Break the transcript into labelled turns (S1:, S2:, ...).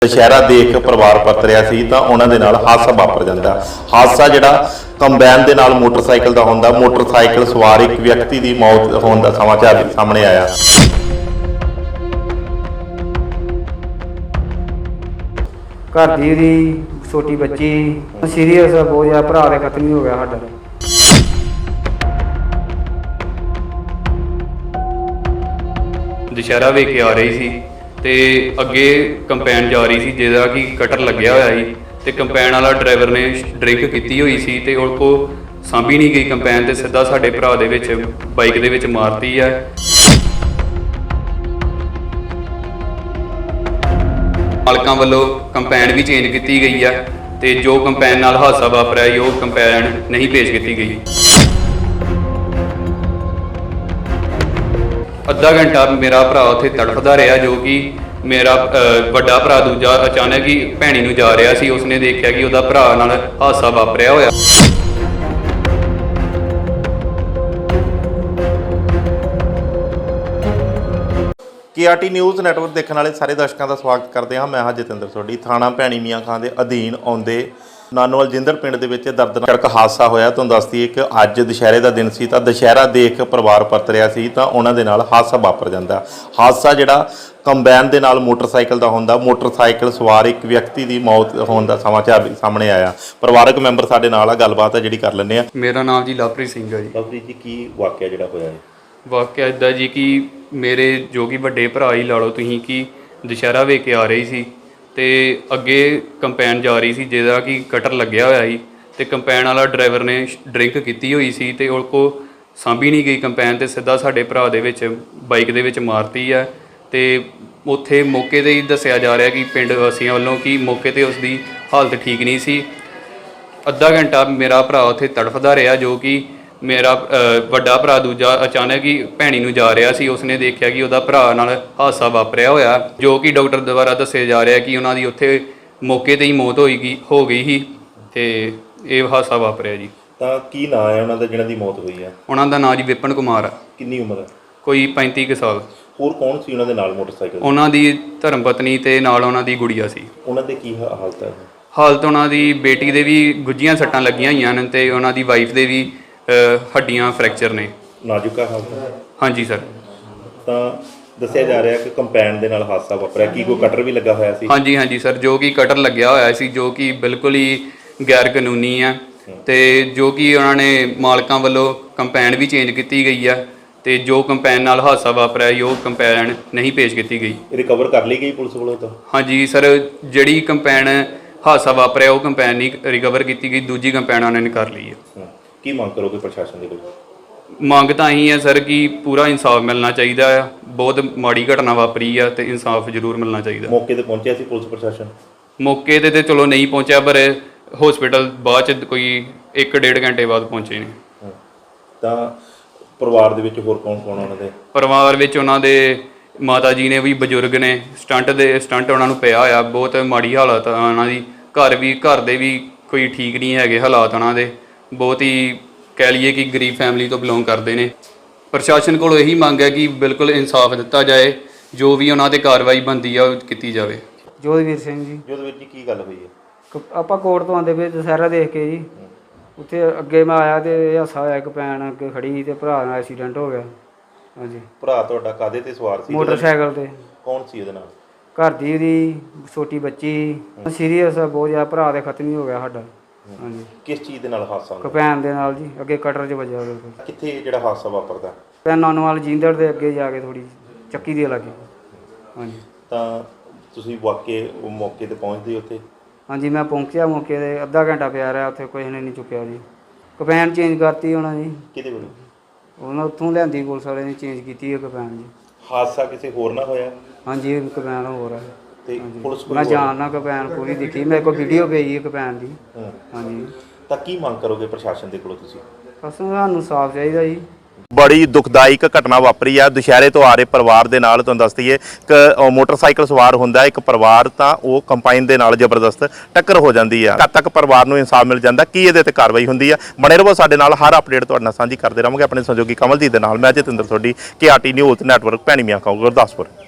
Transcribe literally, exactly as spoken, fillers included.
S1: दशहरा देख परिवार परत रहा सी तां उन्हां दे नाल हादसा वापर जांदा। हादसा जिहड़ा कंबाइन दे नाल मोटरसाइकिल दा हुंदा। मोटरसाइकिल सवार एक व्यक्ति की मौत होने का समाचार सामने आया।
S2: घर दी छोटी बच्ची सीरीयस बहुत ज़्यादा, भरा दे खत्म ही हो गया साडा।
S3: दशहरा वेख के आ रही सी ते अगे कंपैन जा रही सी जिहदा कि कटर लग्या होया सी ते कंपैन वाला ड्राइवर ने ड्रिंक कीती हुई सी ते उस को सांभी नहीं गई कंपैन ते सीधा साडे भरा दे विच बाइक दे विच मारती है। मालकां वल्लों कंपैन भी चेंज की गई है ते जो कंपैन नाल हादसा वापरिया वो कंपैन नहीं पेश की गई। अद्धा घंटा मेरा भरा उत्थे तड़फदा रहा, जो कि मेरा वड्डा भरा दूजा अचानक ही भैणी नूं जा रहा सी, उसने देखा कि उहदा भरा नाल हादसा वापरिया होया।
S1: के आर टी न्यूज़ नैटवर्क देखने वाले सारे दर्शकों का स्वागत करते हैं। मैं हाँ जतिंदर सोढी। थाना भैणी मियाँ खां के अधीन आउंदे नानोवाल जिंदड़ पिंड दे विच दर्दनाक हादसा होया। तुहानूं दस दईए कि अज दशहरे का दिन सी तां दशहरा देख परिवार परत रहा सी तां उन्हां दे नाल हादसा वापर जांदा। हादसा जिहड़ा कंबाइन दे नाल मोटरसाइकिल दा हुंदा। मोटरसाइकिल सवार एक व्यक्ति की मौत होने का समाचार सामने आया। परिवारक मैंबर साडे नाल आ, गलबात है जिहड़ी कर लैंदे आ।
S3: मेरा नाम जी लवप्रीत सिंह है जी।
S1: लवप्रीत जी, की वाकिया जिहड़ा होया है?
S3: वाਕਿया इदा जी कि मेरे जो कि वड्डे भरा ही ला लो तुसीं कि दशहरा वेख के आ रही सी ते अगे कंपैन जा रही सी जिहदा कि कटर लग्या होया सी ते कंपैन वाला ड्राइवर ने ड्रिंक की हुई सी ते उस को सांभी नहीं गई कंपैन ते सीधा साडे भरा दे विच बाइक दे विच मारती है। ते उत्थे मौके ते ही दस्सिया जा रहा कि पिंड वासियों वालों कि मौके ते उसदी हालत ठीक नहीं सी। अद्धा घंटा मेरा भरा उत्थे तड़फदा रहा, जो कि मेरा वड्डा भरा दूजा अचानक ही भैणी नूं जा रहा सी, उसने देखा कि उहदा भरा नाल हादसा वापरिया होया, जो कि डॉक्टर द्वारा दस्सिया जा रहा कि उन्हां दी उत्थे मौके ते ही मौत होई गई हो गई ही ते इह हादसा वापरिया जी।
S1: तां की नाम है उन्हां दा जिन्हां दी मौत हुई है?
S3: उन्हां दा नाम जी विपिन कुमार है।
S1: किन्नी उम्र है?
S3: कोई पैंती कुछ साल।
S1: होर कौन सी उन्हां दे नाल मोटरसाइकिल?
S3: उन्हां दी धर्म पत्नी ते नाल उन्हां दी गुड़िया सी।
S1: उन्हां दे की हालत है?
S3: हालत उन्हां दी बेटी दे भी गुੱਝੀਆਂ सट्टां लगियां होईयां ने ते उन्हां दी वाइफ दे भी हड्डियां फ्रैक्चर ने।
S1: नाजुका हालत है?
S3: हाँ जी सर।
S1: ਤਾਂ ਦੱਸਿਆ ਜਾ ਰਿਹਾ ਕਿ ਕੰਪੈਨ ਦੇ ਨਾਲ ਹਾਦਸਾ ਵਾਪਰਿਆ। ਕੀ ਕੋਈ ਕਟਰ ਵੀ ਲੱਗਾ ਹੋਇਆ ਸੀ?
S3: हाँ जी हाँ जी सर, जो कि कटर लग्या होया सी, जो कि बिल्कुल ही गैर कानूनी है ते जो कि उन्होंने मालकां वालों कंपैन भी चेंज की गई है ते जो कंपैन नाल हादसा वापरिया वो कंपैन नहीं पेश की गई।
S1: रिकवर कर ली गई पुलिस वालों तो?
S3: हाँ जी सर, जिहड़ी कंपैन हादसा वापरिया वो कंपैन नहीं रिकवर की गई, दूजी कंपैन उन्होंने कर ली है।
S1: की मांग करोगे प्रशासन के कोल?
S3: ਮੰਗ ਤਾਂ ਇਹੀ ਹੈ ਸਰ ਕਿ ਪੂਰਾ ਇਨਸਾਫ ਮਿਲਣਾ ਚਾਹੀਦਾ ਆ। ਬਹੁਤ ਮਾੜੀ ਘਟਨਾ ਵਾਪਰੀ ਆ ਤੇ ਇਨਸਾਫ ਜ਼ਰੂਰ ਮਿਲਣਾ ਚਾਹੀਦਾ।
S1: ਮੌਕੇ ਤੇ ਪਹੁੰਚਿਆ ਸੀ ਪੁਲਿਸ ਪ੍ਰਸ਼ਾਸਨ?
S3: ਮੌਕੇ ਤੇ ਤੇ ਚਲੋ ਨਹੀਂ ਪਹੁੰਚਿਆ, ਪਰ ਹਸਪੀਟਲ ਬਾਅਦ ਚ ਕੋਈ ਇੱਕ ਡੇਢ ਘੰਟੇ ਬਾਅਦ ਪਹੁੰਚੇ ਨੇ।
S1: ਤਾਂ ਪਰਿਵਾਰ ਦੇ ਵਿੱਚ ਹੋਰ ਕੌਣ ਕੌਣ ਉਹਨਾਂ ਦੇ?
S3: ਪਰਿਵਾਰ ਵਿੱਚ ਉਹਨਾਂ ਦੇ ਮਾਤਾ ਜੀ ਨੇ ਵੀ ਬਜ਼ੁਰਗ ਨੇ, ਸਟੰਟ ਦੇ ਸਟੰਟ ਉਹਨਾਂ ਨੂੰ ਪਿਆ ਹੋਇਆ, ਬਹੁਤ ਮਾੜੀ ਹਾਲਤ ਆ ਉਹਨਾਂ ਦੀ। ਘਰ ਵੀ ਘਰ ਦੇ ਵੀ ਕੋਈ ਠੀਕ ਨਹੀਂ ਹੈਗੇ ਹਾਲਾਤ ਉਹਨਾਂ ਦੇ, ਬਹੁਤ ਹੀ कह लीए कि गरीब फैमिली तो बिलोंग करते हैं। प्रशासन को यही मंग है कि बिल्कुल इंसाफ दिता जाए, जो भी उन्होंने कार्रवाई बनती है की जाए।
S2: जोधवीर सिंह जी।
S1: जोधवीर जी, की गल हुई है?
S2: ਆਪਾਂ ਕੋਰਟ ਤੋਂ ਆਉਂਦੇ ਪਏ ਦਸ਼ਹਿਰਾ ਦੇਖ ਕੇ ਜੀ, ਉੱਥੇ ਅੱਗੇ ਮੈਂ ਆਇਆ ਤੇ ਇਹ ਹਾਸਾ ਹੋਇਆ, ਇੱਕ ਭੈਣ ਅੱਗੇ ਖੜੀ ਸੀ ਤੇ ਭਰਾ ਨਾਲ ਐਕਸੀਡੈਂਟ ਹੋ ਗਿਆ। ਹਾਂਜੀ।
S1: ਭਰਾ ਤੁਹਾਡਾ ਕਾਹਦੇ ਤੇ ਸਵਾਰ ਸੀ?
S2: ਮੋਟਰਸਾਈਕਲ ਤੇ।
S1: ਕੌਣ ਸੀ ਉਹਦੇ ਨਾਲ?
S2: ਘਰ ਦੀ ਉਹਦੀ ਛੋਟੀ ਬੱਚੀ ਸੀਰੀਅਸ ਬਹੁਤ ਜ਼ਿਆਦਾ, ਭਰਾ ਦੇ ਖਤਮ ਹੀ ਹੋ ਗਿਆ ਸਾਡਾ। ਹਾਂਜੀ।
S1: ਕਿਸ ਚੀਜ਼ ਦੇ ਨਾਲ ਹਾਦਸਾ ਹੋਇਆ?
S2: ਕੰਪੈਨ ਦੇ ਨਾਲ ਜੀ, ਅੱਗੇ ਕਟਰ 'ਚ ਵੱਜਿਆ ਉਹਦੇ।
S1: ਕਿੱਥੇ ਜਿਹੜਾ ਹਾਦਸਾ ਵਾਪਰਦਾ?
S2: ਤੇ ਨਾਨੋਵਾਲ ਜਿੰਦੜ ਦੇ ਅੱਗੇ ਜਾ ਕੇ ਥੋੜੀ ਚੱਕੀ ਦੇ ਲਾਗੇ। ਹਾਂਜੀ।
S1: ਤਾਂ ਤੁਸੀਂ ਵਾਕੇ ਉਹ ਮੌਕੇ ਤੇ ਪਹੁੰਚਦੇ ਉੱਥੇ?
S2: ਹਾਂਜੀ, ਮੈਂ ਪਹੁੰਚਿਆ ਮੌਕੇ ਤੇ, ਅੱਧਾ ਘੰਟਾ ਪਿਆ ਰਿਹਾ ਉੱਥੇ, ਕੋਈ ਨੇ ਨਹੀਂ ਚੁੱਕਿਆ ਜੀ। ਕੰਪੈਨ ਚੇਂਜ ਕਰਤੀ ਉਹਨਾਂ ਜੀ। ਕਿਹਦੇ ਵੱਲੋਂ? ਉਹਨਾਂ ਉੱਥੋਂ ਲਿਆਂਦੀ ਪੁਲਿਸ ਵਾਲੇ ਨੇ ਚੇਂਜ ਕੀਤੀ ਹੈ ਕੰਪੈਨ ਜੀ।
S1: ਹਾਦਸਾ ਕਿਸੇ ਹੋਰ ਨਾਲ ਹੋਇਆ? ਹਾਂਜੀ,
S2: ਕੰਪੈਨ ਹੋਰ ਹੈ
S1: ਤੇ ਪੁਲਿਸ
S2: ਮੈਂ ਜਾਣਨਾ ਕੰਪੈਨ ਪੂਰੀ ਦਿਖੀ, ਮੇਰੇ ਕੋਲ ਵੀਡੀਓ ਪਈ ਹੈ ਕੰਪੈਨ ਦੀ। ਹਾਂਜੀ।
S1: ਤਾਂ ਕੀ ਮੰਗ ਕਰੋਗੇ ਪ੍ਰਸ਼ਾਸਨ ਦੇ ਕੋਲੋਂ ਤੁਸੀਂ?
S2: ਬਸ ਸਾਨੂੰ ਸਾਫ਼ ਚਾਹੀਦਾ ਜੀ।
S1: बड़ी दुखदायक घटना वापरी है दुशहरे तो आ रहे परिवार के नाल। तुहानूं दस दईए कि मोटरसाइकिल सवार हुंदा एक परिवार, तो वो कंपाइन के नाल जबरदस्त टक्कर हो जाती है। कद तक परिवार नूं इंसाफ मिल जाता, की इहदे ते कार्रवाई हुंदी है? बने रहो साडे नाल, हर अपडेट तुहाडे नाल सांझी करते रहांगे। अपने सहयोगी कमलजीत दे नाल मैं Jatinder Sodhi, K R T news network Bhaini Mian Khan Gurdaspur.